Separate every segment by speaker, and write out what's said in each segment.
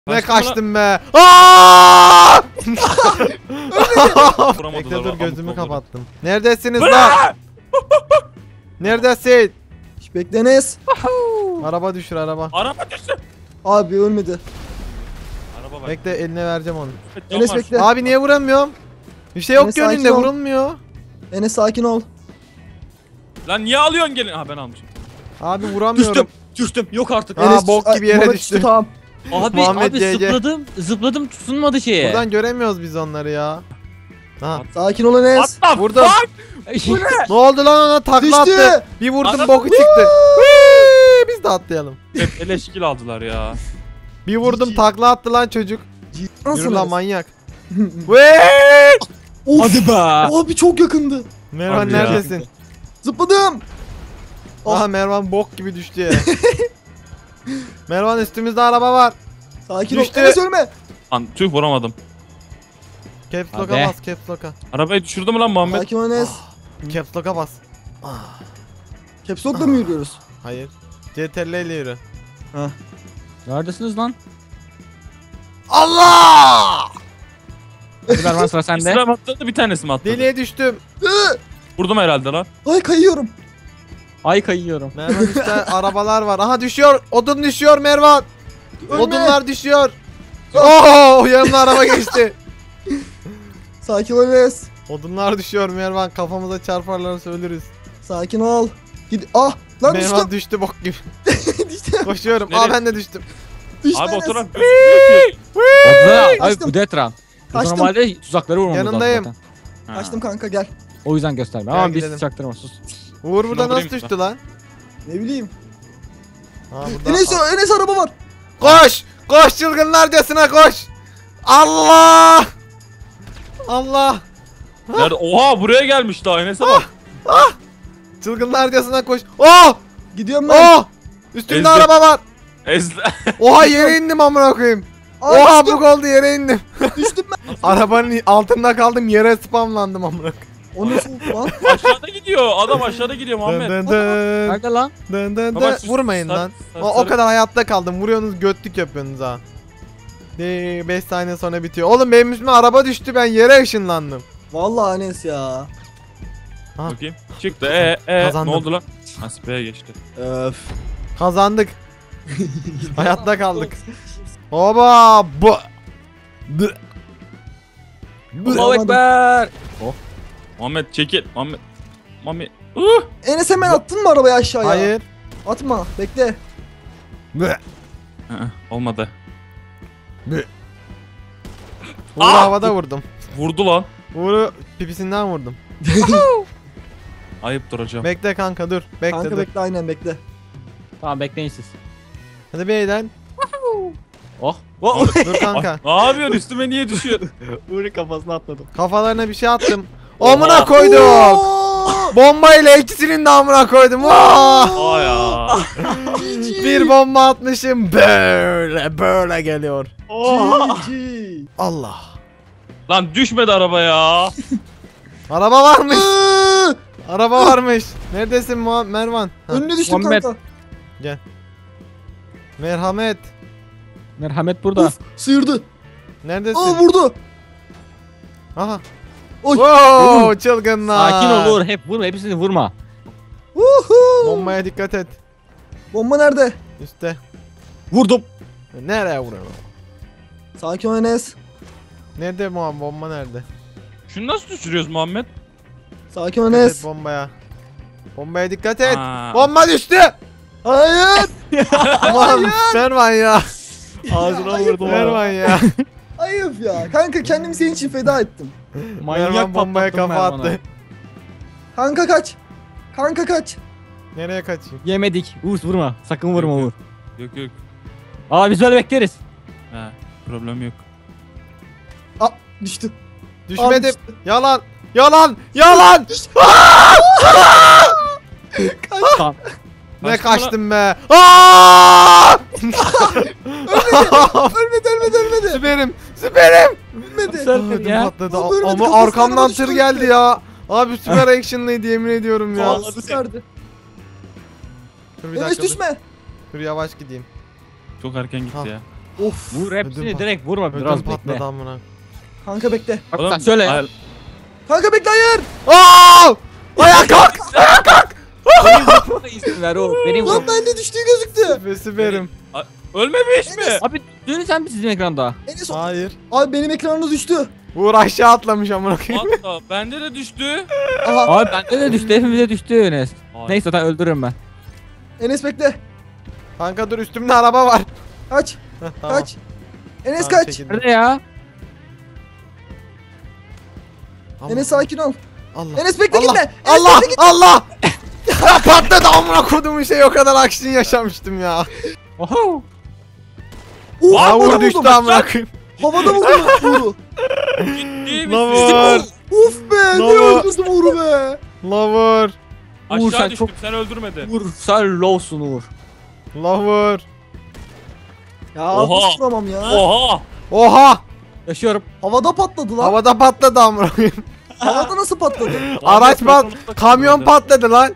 Speaker 1: Ne kaçtım be. Aaaa! Bekle dur gözümü kapattım. Neredesiniz lan? Neredesin?
Speaker 2: Bekle Enes.
Speaker 1: Araba düşür araba.
Speaker 3: Araba düştü.
Speaker 2: Abi ölmedi.
Speaker 3: Araba bak.
Speaker 1: Bekle eline vereceğim onu.
Speaker 2: Enes bekle.
Speaker 1: Abi niye vuramıyorum? Bir şey yok
Speaker 2: Enes,
Speaker 1: ki önünde
Speaker 2: sakin ol.
Speaker 1: vurulmuyor.
Speaker 2: Enes sakin ol.
Speaker 3: Lan niye alıyorsun gelin? Ha ben almışım.
Speaker 1: Abi vuramıyorum.
Speaker 3: Düştüm. Yok artık.
Speaker 1: Aa,
Speaker 2: Enes
Speaker 1: bok gibi yere
Speaker 2: Muhammed
Speaker 1: düştü.
Speaker 2: düştü, Tamam.
Speaker 4: Abi
Speaker 1: Muhammed GG.
Speaker 4: zıpladım tutunmadı şeye.
Speaker 1: Buradan göremiyoruz biz onları ya. Ha.
Speaker 2: Sakin ol Enes.
Speaker 3: Atla.
Speaker 1: Vurdum. Ne oldu lan ona takla
Speaker 2: Düştü.
Speaker 1: attı. Bir vurdum
Speaker 3: Adam-
Speaker 1: boku çıktı. Hıı, biz de atlayalım.
Speaker 3: Hep eleşkil aldılar ya.
Speaker 1: Bir vurdum
Speaker 2: Cici.
Speaker 1: takla attı lan çocuk.
Speaker 2: Nasıl
Speaker 1: Yürü lan
Speaker 2: Enes?
Speaker 1: manyak. Vee!
Speaker 2: Of.
Speaker 4: Hadi be.
Speaker 2: Abi çok yakındı.
Speaker 1: Mervan
Speaker 3: Harbi ya.
Speaker 1: neredesin?
Speaker 2: Zıpladım.
Speaker 1: Aha Mervan bok gibi düştü ya. Mervan üstümüzde araba var.
Speaker 2: Sakin
Speaker 1: Düştü.
Speaker 2: ol. Enes ölme.
Speaker 3: Lan tüh vuramadım.
Speaker 1: Caps lock'a
Speaker 4: Abi.
Speaker 1: bas caps lock'a.
Speaker 3: Arabayı düşürdü mü lan Muhammed?
Speaker 2: Sakin ol Enes.
Speaker 1: Caps lock'a bas.
Speaker 2: Caps Lock'la mı yürüyoruz?
Speaker 1: Hayır. CTRL ile yürü.
Speaker 4: Neredesiniz lan?
Speaker 1: Allah!
Speaker 4: Hadi Mervan sıra sende.
Speaker 3: İslam atladı bir tanesi mi atladı?
Speaker 1: Deliye düştüm.
Speaker 3: Vurdum herhalde lan.
Speaker 2: Ay kayıyorum.
Speaker 4: Ay kayıyorum.
Speaker 1: Mervan üstte arabalar var. Aha düşüyor. Odun düşüyor Mervan.
Speaker 2: Ölme.
Speaker 1: Odunlar düşüyor. Oo yanımda araba geçti.
Speaker 2: Sakin ol Enes.
Speaker 1: Odunlar düşüyor Mervan. Kafamıza çarparlarsa ölürüz.
Speaker 2: Sakin ol. Gid. Ah lan
Speaker 1: Mervan
Speaker 2: düştüm.
Speaker 1: düştü bok gibi.
Speaker 2: Düştüm.
Speaker 1: Koşuyorum.
Speaker 3: Nereye?
Speaker 1: Aa ben de düştüm.
Speaker 2: Düştüm
Speaker 3: Abi
Speaker 2: Enes.
Speaker 3: oturan gözükmüyor ki.
Speaker 4: Abi
Speaker 2: Kaçtım.
Speaker 4: bu detran.
Speaker 2: Kaçtım.
Speaker 4: Normalde tuzakları vurmamız lazım
Speaker 1: Yanındayım.
Speaker 4: zaten.
Speaker 3: Ha.
Speaker 2: Kaçtım kanka gel.
Speaker 4: O yüzden gösterme.
Speaker 1: Gel
Speaker 4: Ama biz
Speaker 1: gidelim.
Speaker 4: çaktırma sus.
Speaker 1: Uğur burada
Speaker 3: Şuna
Speaker 1: nasıl
Speaker 3: vurayım
Speaker 1: düştü lan?
Speaker 2: Ne bileyim.
Speaker 1: Aa, burada...
Speaker 2: Enes araba var.
Speaker 1: Koş! Koş çılgınlarcasına koş! Allah! Allah!
Speaker 3: Nerede? Oha buraya gelmiş daha Enes'e bak.
Speaker 1: Çılgınlarcasına koş. Oh!
Speaker 2: Gidiyorum ben.
Speaker 1: Oh! Üstümde
Speaker 3: Ezdi.
Speaker 1: araba var.
Speaker 3: Ezle.
Speaker 1: Oha yere indim amına koyayım.
Speaker 2: Ay,
Speaker 1: Oha
Speaker 2: düştüm.
Speaker 1: bu oldu yere indim.
Speaker 2: Düştüm ben.
Speaker 1: Arabanın altında kaldım yere spamlandım amına koyayım.
Speaker 2: O nasıl lan?
Speaker 3: Aşağıda gidiyor. Adam aşağıda gidiyor
Speaker 1: Dın
Speaker 3: Muhammed.
Speaker 1: dın dın.
Speaker 4: Nerede lan?
Speaker 1: Dın dın
Speaker 3: Baba,
Speaker 1: dın. Vurmayın lan.
Speaker 3: sarı-
Speaker 1: O kadar hayatta kaldım. Vuruyorsunuz götlük yapıyorsunuz ha. 5 saniye sonra bitiyor. Oğlum benim üstüme araba düştü ben yere ışınlandım.
Speaker 2: Vallahi Enes ya.
Speaker 3: Bakayım. Çıktı. Ne
Speaker 1: Kazandım.
Speaker 3: oldu lan? Nasipeye geçti.
Speaker 2: Öf.
Speaker 1: Kazandık. Hayatta kaldık. Oba! Bu. Dı. Dı.
Speaker 4: Allahu Ekber.
Speaker 3: Muhammed çekil. Muhammed.
Speaker 2: Enes hemen attın mı arabayı aşağıya?
Speaker 1: Hayır.
Speaker 2: Atma. Bekle.
Speaker 1: Bı.
Speaker 3: Olmadı.
Speaker 1: Uğur'u
Speaker 3: Aa!
Speaker 1: havada vurdum.
Speaker 3: Vurdu lan.
Speaker 1: Uğur'u pipisinden vurdum.
Speaker 3: Ayıp duracağım.
Speaker 1: Bekle kanka dur. Bekle
Speaker 2: Kanka
Speaker 1: dur.
Speaker 2: bekle aynen bekle.
Speaker 4: Tamam bekleyin siz.
Speaker 1: Hadi bir eğlen.
Speaker 4: Oh.
Speaker 1: Dur kanka.
Speaker 3: Ne yapıyorsun? Üstüme niye düşüyor?
Speaker 4: Uğur'un kafasına atladım.
Speaker 1: Kafalarına bir şey attım. Amına
Speaker 3: Oha.
Speaker 1: koyduk.
Speaker 2: Oo!
Speaker 1: Bombayla ikisinin de amına koydum. Aa!
Speaker 3: Aa ya.
Speaker 1: Bir bomba atmışım. Böyle geliyor.
Speaker 2: GG.
Speaker 1: Allah.
Speaker 3: Lan düşmedi araba ya.
Speaker 1: Araba varmış.
Speaker 2: Iıı!
Speaker 1: Araba varmış. Neredesin Mervan? Ha,
Speaker 2: Önüne düştüm
Speaker 4: Muhammed.
Speaker 2: kanka.
Speaker 1: Merhamet.
Speaker 4: Merhamet burada.
Speaker 2: Uf, sıyırdı.
Speaker 1: Neredesin?
Speaker 2: Aa vurdu.
Speaker 1: Aha.
Speaker 2: Oy.
Speaker 1: Wow, çılgınlar.
Speaker 4: Sakin ol Uğur. Hep vurma. Hepsini vurma.
Speaker 2: Uhu.
Speaker 1: Bombaya dikkat et.
Speaker 2: Bomba nerede?
Speaker 1: Üste.
Speaker 4: Vurdum.
Speaker 1: Nereye vuruyor?
Speaker 2: Sakin ol Enes.
Speaker 1: Nerede bomba nerede?
Speaker 3: Şunu nasıl düşürüyoruz Muhammed?
Speaker 2: Sakin ol
Speaker 1: Dikkat
Speaker 2: Enes.
Speaker 1: et bombaya. Bombaya dikkat et.
Speaker 3: Aa.
Speaker 1: Bomba düştü.
Speaker 2: Hayır.
Speaker 1: Aman Mervan ya.
Speaker 4: Ağzına vurdum.
Speaker 1: Mervan ya.
Speaker 2: Ayıp ya. Kanka kendimi senin için feda ettim.
Speaker 1: Mervan bombaya kafa attı.
Speaker 2: Kanka kaç. Kanka kaç.
Speaker 1: Nereye kaçayım?
Speaker 4: Yemedik. Uğur vurma. Sakın vurma Uğur.
Speaker 3: Yok yok.
Speaker 4: Aa biz böyle bekleriz.
Speaker 3: Ha, problem yok.
Speaker 2: Aa düştü.
Speaker 1: Düşmedim.
Speaker 2: düştü.
Speaker 1: Yalan. Yalan. Yalan.
Speaker 4: Tamam.
Speaker 1: Ne
Speaker 3: Kaçtın mı
Speaker 1: kaçtım be. Aa!
Speaker 2: Ölmedi.
Speaker 1: Süperim. Süperim.
Speaker 2: Ölmedi.
Speaker 4: Sen-
Speaker 1: Ödüm
Speaker 4: ya.
Speaker 1: patladı.
Speaker 2: Abi ölmedi,
Speaker 1: Ama
Speaker 2: kafasına
Speaker 1: arkamdan
Speaker 2: araba
Speaker 1: tır
Speaker 2: düştü.
Speaker 1: geldi ya. Abi süper action'lıydı yemin ediyorum ya.
Speaker 3: Vallahi.
Speaker 2: Süperdi.
Speaker 1: Dur bir
Speaker 2: Enes
Speaker 1: dakika. Dur.
Speaker 2: düşme.
Speaker 1: Dur yavaş gideyim.
Speaker 3: Çok erken gitti
Speaker 1: Ha.
Speaker 3: ya.
Speaker 2: Of.
Speaker 4: Vur hepsini
Speaker 1: Ödüm
Speaker 4: direkt vurma
Speaker 1: Ödüm
Speaker 4: biraz bekle.
Speaker 1: patladı amına.
Speaker 2: Kanka bekle.
Speaker 4: Bak
Speaker 3: Oğlum,
Speaker 4: sen söyle ya.
Speaker 3: hayır.
Speaker 2: Kanka bekle hayır.
Speaker 1: Aa! Ayağa kalk!
Speaker 4: Bana izin ver o. Benim
Speaker 2: Lan bende düştüğü gözüktü.
Speaker 1: Ve süperim.
Speaker 3: Ölmemiş mi?
Speaker 4: Abi dönün sen mi sizin ekranda?
Speaker 2: Enes o.
Speaker 1: Hayır.
Speaker 2: Abi benim ekranımda düştü.
Speaker 1: Uğur aşağı atlamış amına koyayım.
Speaker 3: Hatta bende de düştü.
Speaker 2: Aha.
Speaker 4: Abi bende de düştü hepimize düştü Enes.
Speaker 3: Ay.
Speaker 4: Neyse zaten öldürürüm ben.
Speaker 2: Enes bekle.
Speaker 1: Kanka dur üstümde araba var.
Speaker 2: Kaç.
Speaker 1: Heh, tamam.
Speaker 2: Kaç. Enes
Speaker 1: Tamam,
Speaker 2: kaç.
Speaker 1: çekildim.
Speaker 4: Nerede ya?
Speaker 1: Allah.
Speaker 2: Enes sakin ol.
Speaker 1: Allah.
Speaker 2: Enes bekle
Speaker 1: Allah.
Speaker 2: gitme. Enes
Speaker 1: Allah!
Speaker 2: bekle gitme.
Speaker 1: Allah! Ya patladı amına kodumun şey o kadar aksiyon yaşamıştım ya.
Speaker 4: Oho.
Speaker 2: Oo,
Speaker 1: Aa
Speaker 2: havada
Speaker 1: Uğur düştü
Speaker 2: buldum.
Speaker 1: amına koyayım.
Speaker 2: Havada buldum Uğur'u.
Speaker 3: Ciddi
Speaker 1: Lan
Speaker 3: misin?
Speaker 1: Uğur.
Speaker 2: Uf be. Ne
Speaker 1: Lava.
Speaker 2: öldürdüm Uğur'u be.
Speaker 1: Lavur.
Speaker 4: Uğur,
Speaker 3: Aşağı
Speaker 4: sen
Speaker 3: düştüm
Speaker 4: çok-
Speaker 3: sen öldürmedin.
Speaker 4: Vur sen lowsun Uğur.
Speaker 1: Lavur.
Speaker 2: Ya
Speaker 3: Oha.
Speaker 2: nasıl vuramam ya.
Speaker 3: Oha.
Speaker 1: Oha!
Speaker 4: Yaşıyorum.
Speaker 2: Havada patladı lan.
Speaker 1: Havada patladı amına koyayım.
Speaker 2: Havada nasıl patladı?
Speaker 1: Araç pat,
Speaker 3: Muhammed
Speaker 1: kamyon
Speaker 3: patladı.
Speaker 1: patladı lan.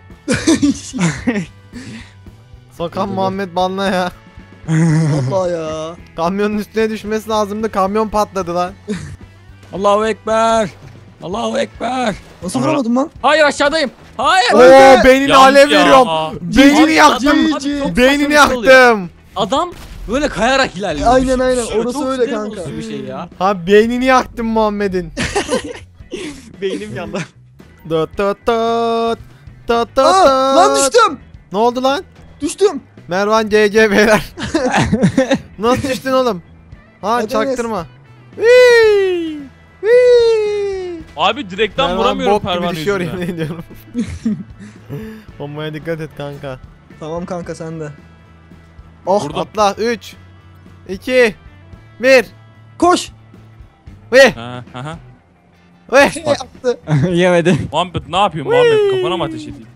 Speaker 1: Sokan Muhammed banla ya.
Speaker 2: Allah ya.
Speaker 1: Kamyonun üstüne düşmesi lazımdı. Kamyon patladı lan.
Speaker 4: Allahu Ekber. Allahu Ekber.
Speaker 2: Nasıl vuramadım lan?
Speaker 4: Hayır aşağıdayım. Hayır.
Speaker 1: Oo
Speaker 2: Öldü.
Speaker 1: beynini
Speaker 3: Yandı
Speaker 1: alev
Speaker 3: ya.
Speaker 1: veriyorum. Beynini
Speaker 4: Abi,
Speaker 1: yaktım.
Speaker 4: adam- abi çok
Speaker 1: Beynini
Speaker 4: saçma bir şey oluyor.
Speaker 1: yaktım.
Speaker 4: Adam böyle kayarak ilerliyor.
Speaker 2: Aynen, aynen.
Speaker 4: Çok
Speaker 2: Orası öyle
Speaker 4: sinir
Speaker 2: kanka.
Speaker 4: bozucu bir şey ya.
Speaker 1: Ha beynini yaktım Muhammed'in.
Speaker 4: Beynim yandı.
Speaker 1: Tut tut tut. Tut tut
Speaker 2: Aa, lan
Speaker 1: tut.
Speaker 2: düştüm.
Speaker 1: Ne oldu lan?
Speaker 2: Düştüm.
Speaker 1: Mervan GG beyler. Nasıl düştün oğlum? Ha
Speaker 2: Hadi
Speaker 1: çaktırma. Whee! Whee!
Speaker 3: Abi direkten
Speaker 1: Mervan
Speaker 3: vuramıyorum
Speaker 1: bok gibi
Speaker 3: pervane
Speaker 1: düşüyor
Speaker 3: yüzünden.
Speaker 1: yemin ediyorum. Bombaya dikkat et kanka.
Speaker 2: Tamam kanka sen de. Oh
Speaker 3: Vurdum.
Speaker 1: Atla 3 2 1
Speaker 2: koş.
Speaker 1: Ve
Speaker 3: Ha, ha, ha.
Speaker 1: ve
Speaker 2: Attı.
Speaker 4: Yemedi.
Speaker 3: Muhammed ne yapıyorsun Muhammed? Kafana mı ateş edeyim?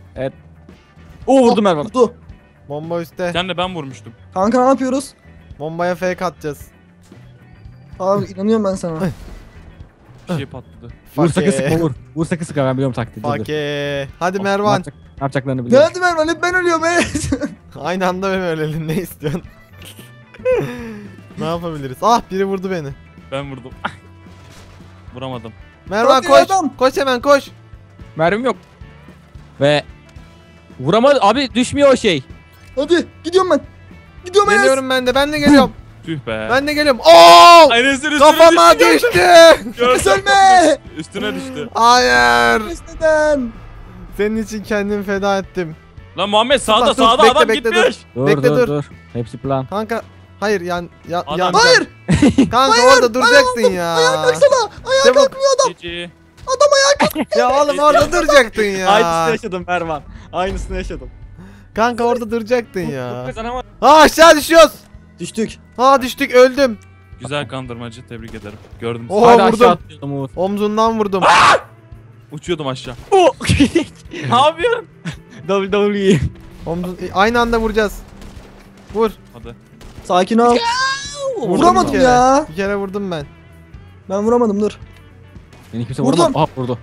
Speaker 4: O vurdum Erman.
Speaker 2: Vurdu.
Speaker 1: bomba üstte.
Speaker 3: Sen de ben vurmuştum.
Speaker 2: Kanka ne yapıyoruz?
Speaker 1: Bombaya fake atacağız.
Speaker 2: Abi inanıyorum ben sana.
Speaker 3: Bir şey patladı.
Speaker 4: Vur sakın
Speaker 1: Fake.
Speaker 4: sıkma vur. Vur sakın sıkma ben biliyorum taktiği. Dur, dur.
Speaker 1: Fake. Hadi
Speaker 4: Ne
Speaker 1: Mervan.
Speaker 4: yapacaklarını
Speaker 2: Ne
Speaker 4: biliyorum.
Speaker 2: hadi Mervan hep ben ölüyorum Enes.
Speaker 1: Aynı anda benim ölelim ne istiyorsun? Ne yapabiliriz? Ah biri vurdu beni.
Speaker 3: Ben vurdum. Vuramadım.
Speaker 1: Mervan
Speaker 2: Hadi
Speaker 1: koş.
Speaker 2: adam.
Speaker 1: Koş hemen koş.
Speaker 4: Mermim yok. Ve vuramadı abi düşmüyor o şey.
Speaker 2: Hadi gidiyorum ben. Gidiyorum Enes.
Speaker 1: Geliyorum ben de. Ben de geliyorum.
Speaker 3: Tüh be.
Speaker 1: Ben de geliyorum. Oo!
Speaker 3: Enes'in üstüne
Speaker 1: Kafama
Speaker 3: düştü.
Speaker 1: düştü.
Speaker 2: Enes ölme.
Speaker 3: Üstüne düştü.
Speaker 1: Hayır.
Speaker 2: Enes neden?
Speaker 1: Senin için kendimi feda ettim.
Speaker 3: Lan Muhammed sağda
Speaker 1: Dur,
Speaker 3: sağda
Speaker 1: bekle,
Speaker 3: adam
Speaker 1: bekle,
Speaker 3: gitmiş.
Speaker 4: Dur
Speaker 1: Bekle,
Speaker 4: dur
Speaker 1: dur.
Speaker 4: dur. Hepsi plan.
Speaker 1: Kanka hayır yan
Speaker 3: Adam-
Speaker 1: yan.
Speaker 2: Hayır.
Speaker 1: Kanka orada duracaksın ya.
Speaker 2: Kalksana. Ayağa
Speaker 1: Çabuk.
Speaker 2: kalkmıyor adam.
Speaker 3: Cici.
Speaker 1: Ya oğlum orada duracaktın ya.
Speaker 4: yaşadım Erman. Aynısını yaşadım.
Speaker 1: Kanka orada duracaktın ya.
Speaker 4: Kazanamadım.
Speaker 1: Ha aşağı düşüyoruz.
Speaker 2: Düştük.
Speaker 1: Ha düştük öldüm.
Speaker 3: Güzel kandırmacı tebrik ederim. Gördüm.
Speaker 1: Oo
Speaker 4: Hadi aşağı
Speaker 1: vurdum.
Speaker 4: atlayalım Uğur.
Speaker 1: Omzundan vurdum.
Speaker 3: Uçuyordum aşağı.
Speaker 4: Ne yapıyorsun? WWE.
Speaker 1: Omzun aynı anda vuracağız. Vur.
Speaker 3: Hadi.
Speaker 2: Sakin ol.
Speaker 1: Vurdum
Speaker 2: Vuramadım
Speaker 1: bir kere.
Speaker 2: ya.
Speaker 1: Bir kere vurdum ben.
Speaker 2: Ben vuramadım dur.
Speaker 4: Beni kimse
Speaker 2: Vurdum.
Speaker 4: vuramadı. Aha vurdu.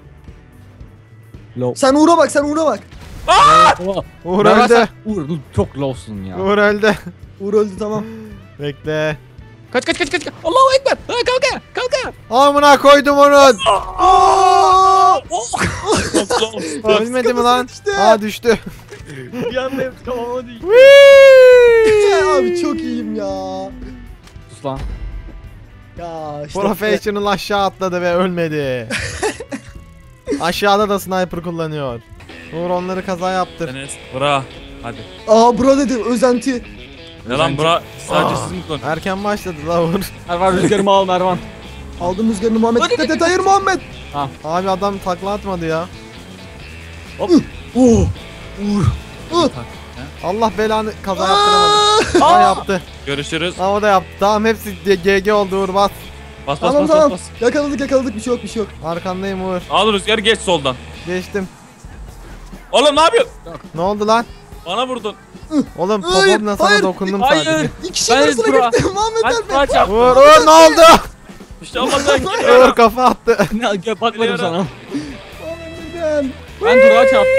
Speaker 4: Low.
Speaker 2: Sen Uğur'a bak sen Uğur'a bak.
Speaker 4: Oha.
Speaker 1: Uğur
Speaker 4: Mervan
Speaker 1: öldü.
Speaker 4: sen- Uğur çok lowsun ya.
Speaker 1: Uğur öldü.
Speaker 2: Uğur öldü tamam.
Speaker 1: Bekle.
Speaker 4: Kaç kaç kaç kaç. Allahu Ekber. Ha, kalk kalk.
Speaker 1: Amına koydum onun.
Speaker 2: Aa!
Speaker 1: Ölmedi mi lan?
Speaker 2: düştü.
Speaker 1: Aa düştü.
Speaker 4: Bir anda hepsi kafama düştü.
Speaker 2: Abi çok iyiyim ya.
Speaker 4: Sus lan.
Speaker 2: Ya işte.
Speaker 1: Professional aşağı atladı ve ölmedi. Aşağıda da sniper kullanıyor. Uğur onları kaza yaptır.
Speaker 3: Enes bra. Hadi.
Speaker 2: Aa bura dedi özenti.
Speaker 3: Ne lan bra? Sadece
Speaker 1: Aa.
Speaker 3: siz mi kullanın?
Speaker 1: Erken başladı la Uğur.
Speaker 4: Mervan rüzgarımı al Mervan.
Speaker 2: Aldım rüzgarını Muhammed. Dikkat et hayır Muhammed.
Speaker 1: Abi adam takla atmadı ya.
Speaker 2: Oh. Uğur.
Speaker 1: Allah belanı kaza yaptıramadı.
Speaker 2: Aa!
Speaker 1: Ha yaptı.
Speaker 3: Görüşürüz.
Speaker 1: Ha o da yaptı. Tamam hepsi GG oldu Uğur bas.
Speaker 3: Bas bas
Speaker 2: Tamam
Speaker 3: bas
Speaker 2: tamam.
Speaker 3: bas.
Speaker 2: Yakaladık bir şey yok bir şey yok.
Speaker 1: Arkandayım Uğur.
Speaker 3: Al rüzgar geç soldan.
Speaker 1: Geçtim.
Speaker 3: Oğlum ne yapıyorsun?
Speaker 1: Ne oldu lan?
Speaker 3: Bana vurdun.
Speaker 1: Oğlum
Speaker 2: Hayır,
Speaker 1: popomla sana
Speaker 2: hayır,
Speaker 1: dokundum
Speaker 4: hayır.
Speaker 1: sadece.
Speaker 2: İki kişi
Speaker 4: Ben
Speaker 2: arasına
Speaker 4: Burak.
Speaker 2: gitti. Muhammed
Speaker 4: Ben
Speaker 2: ölme.
Speaker 4: Burak'a çarptım.
Speaker 1: Uğur ne oldu?
Speaker 3: Bir şey olmaz ben
Speaker 1: Uğur
Speaker 3: gidiyorum.
Speaker 1: kafa attı.
Speaker 4: Ne bakmadım sana.
Speaker 2: Muhammed neden?
Speaker 4: Ben Burak'a çarptım.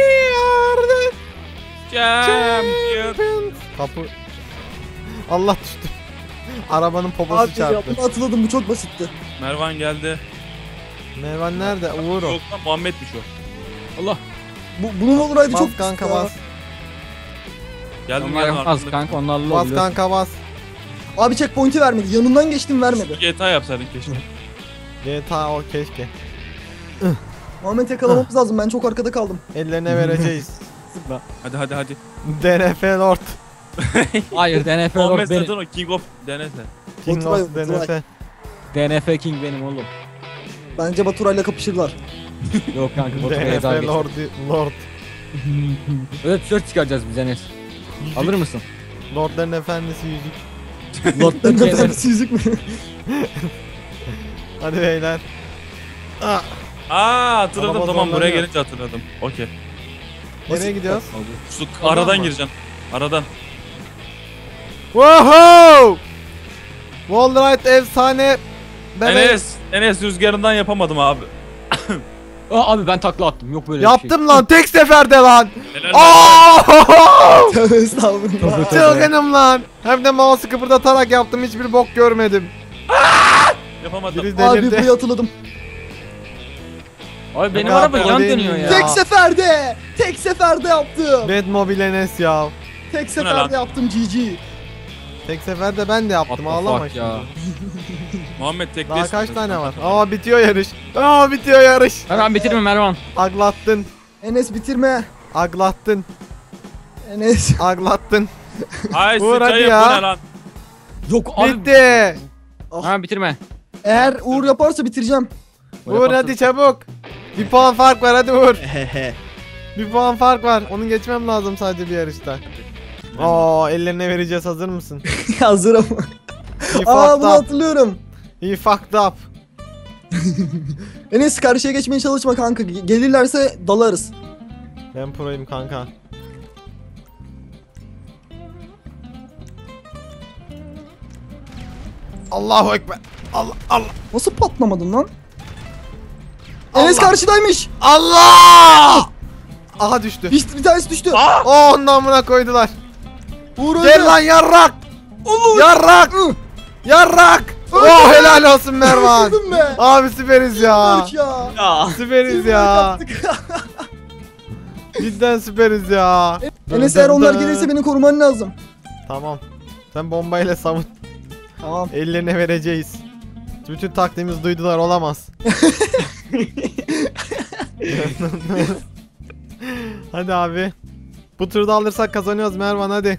Speaker 3: Champion.
Speaker 1: Kapı. Allah düştü. Arabanın poposu
Speaker 2: Abi ya
Speaker 1: çarptı.
Speaker 2: bunu hatırladım, bu çok basitti.
Speaker 3: Mervan geldi.
Speaker 1: Mervan nerede? Uğur o.
Speaker 3: Yok lan Muhammed'miş o.
Speaker 4: Allah.
Speaker 2: Bunun olaydı
Speaker 1: Bas
Speaker 2: çok
Speaker 1: kanka
Speaker 2: basit ya.
Speaker 1: bas.
Speaker 3: Geldim
Speaker 4: Onlar
Speaker 3: geldim
Speaker 4: yapmaz
Speaker 3: arkasında.
Speaker 4: kanka onlarla
Speaker 1: Bas
Speaker 4: oluyor.
Speaker 1: kanka bas.
Speaker 2: Abi checkpoint'i vermedi. Yanından geçtim, vermedi.
Speaker 3: GTA yapsaydın keşke.
Speaker 1: GTA o keşke.
Speaker 2: Muhammed yakalamamız lazım. Ben çok arkada kaldım.
Speaker 1: Ellerine vereceğiz.
Speaker 3: Hadi hadi hadi.
Speaker 1: DNF Lord.
Speaker 4: Hayır DNF
Speaker 3: Muhammed
Speaker 4: Lord benim.
Speaker 3: zaten o King of denese.
Speaker 1: King
Speaker 2: Oturay,
Speaker 1: of DNF.
Speaker 2: Oturay.
Speaker 4: DNF King benim oğlum.
Speaker 2: Bence Baturay'la kapışırlar.
Speaker 4: Yok kanka Baturay'a daha
Speaker 1: DNF
Speaker 4: geçti.
Speaker 1: Lord.
Speaker 4: Öyle tişört çıkaracağız biz Enes. Alır mısın?
Speaker 1: Lordların efendisi yüzük.
Speaker 4: Lord'dan
Speaker 2: Ne kadar
Speaker 4: Enes.
Speaker 2: yüzük mü?
Speaker 1: Hadi beyler. Ah,
Speaker 3: Aa hatırladım
Speaker 1: Araba
Speaker 3: tamam buraya
Speaker 1: zorlanıyor.
Speaker 3: gelince hatırladım. Okey.
Speaker 1: nereye gidiyoruz?
Speaker 3: Şu
Speaker 1: Oradan
Speaker 3: aradan
Speaker 1: mı?
Speaker 3: gireceksin. Aradan.
Speaker 1: Woohoo! Wallride efsane.
Speaker 3: Enes rüzgarından yapamadım abi.
Speaker 4: Aa, abi ben takla attım. Yok böyle bir şey.
Speaker 1: Yaptım lan tek seferde lan.
Speaker 3: Helal
Speaker 1: Aaaaaa!
Speaker 2: Tövbe estağfurullah.
Speaker 4: Tövbe.
Speaker 1: Çılgınım lan. Hem de mouse'u kıpırdatarak yaptım, hiçbir bok görmedim.
Speaker 3: Yapamadım.
Speaker 1: Biri
Speaker 2: Abi
Speaker 1: delirdi.
Speaker 2: burayı hatırladım.
Speaker 4: Abi benim
Speaker 1: Yok
Speaker 4: araba
Speaker 1: abi, o
Speaker 4: yan
Speaker 1: değil
Speaker 4: dönüyor
Speaker 1: ya.
Speaker 4: ya.
Speaker 2: Tek seferde. Tek seferde yaptım.
Speaker 1: Batmobile Enes ya.
Speaker 2: Tek
Speaker 3: ne
Speaker 2: seferde
Speaker 3: lan?
Speaker 2: yaptım GG.
Speaker 1: Tek seferde ben de yaptım,
Speaker 4: What the
Speaker 1: ağlama
Speaker 4: fuck
Speaker 1: şimdi.
Speaker 4: ya.
Speaker 3: Muhammed tek
Speaker 1: Daha kaç tane var? Aa bitiyor yarış. Aa bitiyor yarış.
Speaker 4: Mervan bitirme Mervan.
Speaker 1: Aglattın.
Speaker 2: Enes bitirme.
Speaker 1: Aglattın.
Speaker 2: Enes.
Speaker 1: Aglattın.
Speaker 3: Ay
Speaker 1: Uğur, hadi
Speaker 3: sıçayım
Speaker 1: ya.
Speaker 3: bu ne lan?
Speaker 4: Yok abi.
Speaker 1: Bitti.
Speaker 4: Mervan bitirme.
Speaker 2: Eğer Uğur yaparsa bitireceğim.
Speaker 1: Uğur hadi çabuk. Bir puan fark var, hadi Uğur. Bir puan fark var. Onu geçmem lazım sadece bir yarışta. Aa ellerine vereceğiz, hazır mısın?
Speaker 2: Hazırım.
Speaker 1: He
Speaker 2: Aa
Speaker 1: fucked
Speaker 2: bunu
Speaker 1: up.
Speaker 2: hatırlıyorum.
Speaker 1: He fucked up.
Speaker 2: Enes karşıya geçmeye çalışma kanka. Gelirlerse dalarız.
Speaker 1: Ben proyum kanka. Allahu ekber. Allah Allah.
Speaker 2: Nasıl patlamadın lan? Enes karşıdaymış.
Speaker 1: Allah! Aha düştü.
Speaker 2: Bir tanesi düştü.
Speaker 1: Oh onun amına koydular.
Speaker 2: Uğur öldü.
Speaker 1: Gel lan yarrak.
Speaker 2: Olur.
Speaker 1: Yarrak.
Speaker 2: Ih,
Speaker 1: Yarrak.
Speaker 2: Öldü.
Speaker 1: Oh helal olsun Mervan.
Speaker 2: Öldüm be.
Speaker 1: Abi süperiz ya.
Speaker 2: Bak ya.
Speaker 3: Ya.
Speaker 1: Süperiz
Speaker 2: Teamwork
Speaker 1: ya.
Speaker 2: yaptık.
Speaker 1: Cidden süperiz ya.
Speaker 2: Enes eğer onlar gelirse beni koruman lazım.
Speaker 1: Tamam. Sen bombayla savun.
Speaker 2: Tamam.
Speaker 1: Ellerine vereceğiz. Bütün taktiğimizi duydular, olamaz. Hadi abi. Bu turda alırsak kazanıyoruz Mervan, hadi.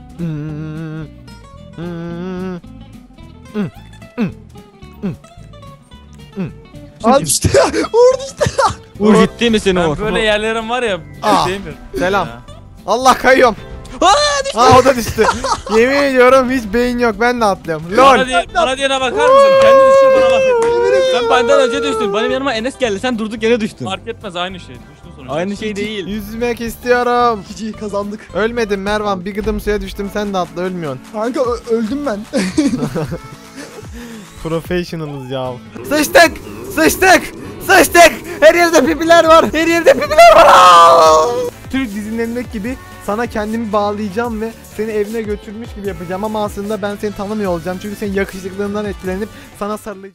Speaker 2: Aa düştü. Uğur düştü.
Speaker 4: Uğur ciddi misin
Speaker 3: Ben
Speaker 4: Uğur?
Speaker 3: böyle yerlerim var ya.
Speaker 1: Aa,
Speaker 3: Değil mi?
Speaker 1: selam.
Speaker 3: Ya.
Speaker 1: Allah kayıyorum. Aa o da düştü. Yemin ediyorum hiç beyin yok, ben de atlıyorum.
Speaker 3: Bana,
Speaker 1: LOL.
Speaker 3: bana diyene bakar mısın? Kendi düşüyor bana laf etmiyor.
Speaker 4: Sen benden önce düştün. Benim yanıma Enes geldi. Sen durduk yere düştün.
Speaker 3: Fark etmez aynı şey. Düştün sonuçta.
Speaker 4: Aynı şey değil.
Speaker 1: Yüzmek istiyorum.
Speaker 2: GG kazandık.
Speaker 1: Ölmedim Mervan, bir gıdım suya düştüm, sen de atla, ölmüyorsun.
Speaker 2: Kanka öldüm ben.
Speaker 1: Professionalız ya. Sıçtık! Sıçtık! Sıçtık! Her yerde pipiler var! Her yerde pipiler var! Aa! Türk dizilerindeki gibi sana kendimi bağlayacağım ve seni evine götürmüş gibi yapacağım ama aslında ben seni tanımıyor olacağım. Çünkü senin yakışıklığından etkilenip sana sarılacağım.